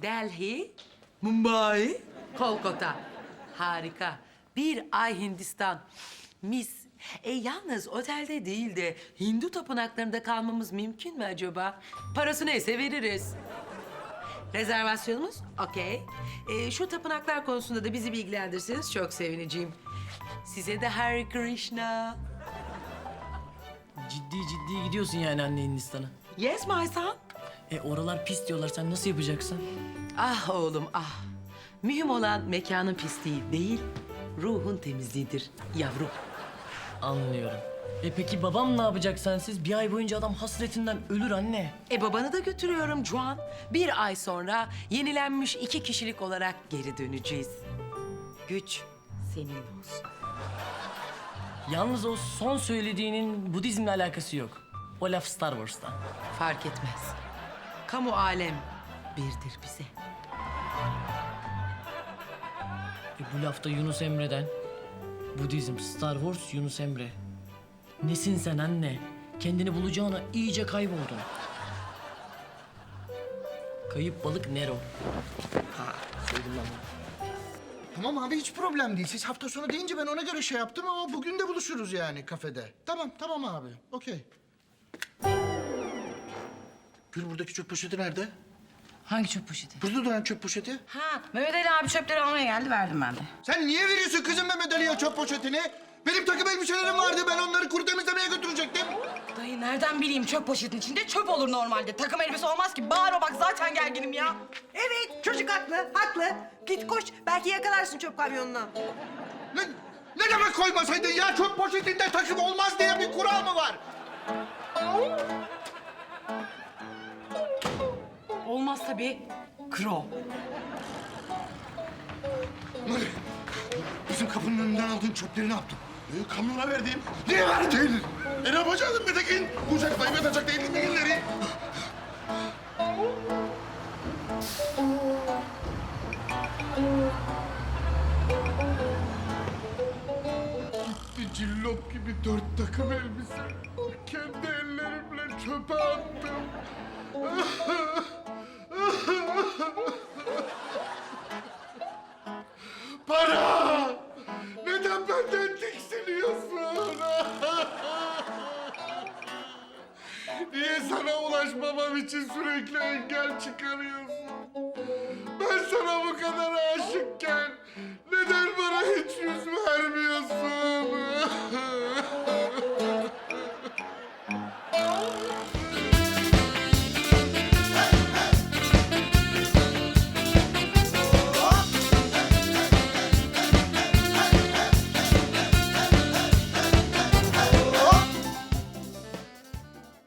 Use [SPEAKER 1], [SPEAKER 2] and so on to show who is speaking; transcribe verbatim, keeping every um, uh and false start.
[SPEAKER 1] Delhi, Mumbai, Kolkata. Harika. Bir ay Hindistan. Mis. E yalnız otelde değil de Hindu tapınaklarında kalmamız mümkün mü acaba? Parası neyse veririz. Rezervasyonumuz okey. E, şu tapınaklar konusunda da bizi bilgilendirirseniz çok sevineceğim. Size de Hare Krishna.
[SPEAKER 2] Ciddi ciddi gidiyorsun yani anne Hindistan'a.
[SPEAKER 1] Yes my son.
[SPEAKER 2] E oralar pis diyorlar. Sen nasıl yapacaksın?
[SPEAKER 1] Ah oğlum ah. Mühim olan mekanın pisliği değil, ruhun temizliğidir yavrum.
[SPEAKER 2] Anlıyorum. E peki babam ne yapacak sensiz? Bir ay boyunca adam hasretinden ölür anne.
[SPEAKER 1] E babanı da götürüyorum Juan. Bir ay sonra yenilenmiş iki kişilik olarak geri döneceğiz. Güç senin olsun.
[SPEAKER 2] Yalnız o son söylediğinin Budizmle alakası yok. O laf Star Wars'tan.
[SPEAKER 1] Fark etmez. Kamu alem birdir bize.
[SPEAKER 2] E bu lafta Yunus Emre'den. Budizm, Star Wars, Yunus Emre. Nesin sen anne? Kendini bulacağına iyice kayboldun. Kayıp balık Nero. Ha, söyledim ben bunu.
[SPEAKER 3] Tamam abi hiç problem değil. Siz hafta sonu deyince ben ona göre şey yaptım ama bugün de buluşuruz yani kafede. Tamam tamam abi. Okey. Gül buradaki çöp poşeti nerede?
[SPEAKER 4] Hangi çöp poşeti?
[SPEAKER 3] Burada duran çöp poşeti.
[SPEAKER 4] Ha, Mehmet Ali abi çöpleri almaya geldi, verdim ben de.
[SPEAKER 3] Sen niye veriyorsun kızım Mehmet Ali'ye çöp poşetini? Benim takım elbiselerim vardı. Ben onları kuru temizlemeye götürecektim.
[SPEAKER 4] Dayı nereden bileyim çöp poşetin içinde çöp olur normalde. Takım elbise olmaz ki. Bağırma bak zaten gerginim ya.
[SPEAKER 5] Evet, çocuk haklı, haklı. Git koş, belki yakalarsın çöp kamyonuna.
[SPEAKER 3] Ne, ne demek koymasaydın ya? Çöp poşetinde takım olmaz diye bir kural mı var?
[SPEAKER 4] Olmaz tabii. Kro.
[SPEAKER 3] Nuri, bizim kapının önünden aldığın çöpleri ne yaptın? E, kamyona verdim. Niye verdin? E ne yapacaktın Metekin? Kucaklayıp yatacak değildin mi günleri? Gitti cillop gibi dört takım elbise. Kendi ellerimle çöpe attım. Para! Neden benden tiksiniyorsun? Niye sana ulaşmamam için sürekli engel çıkarıyorsun?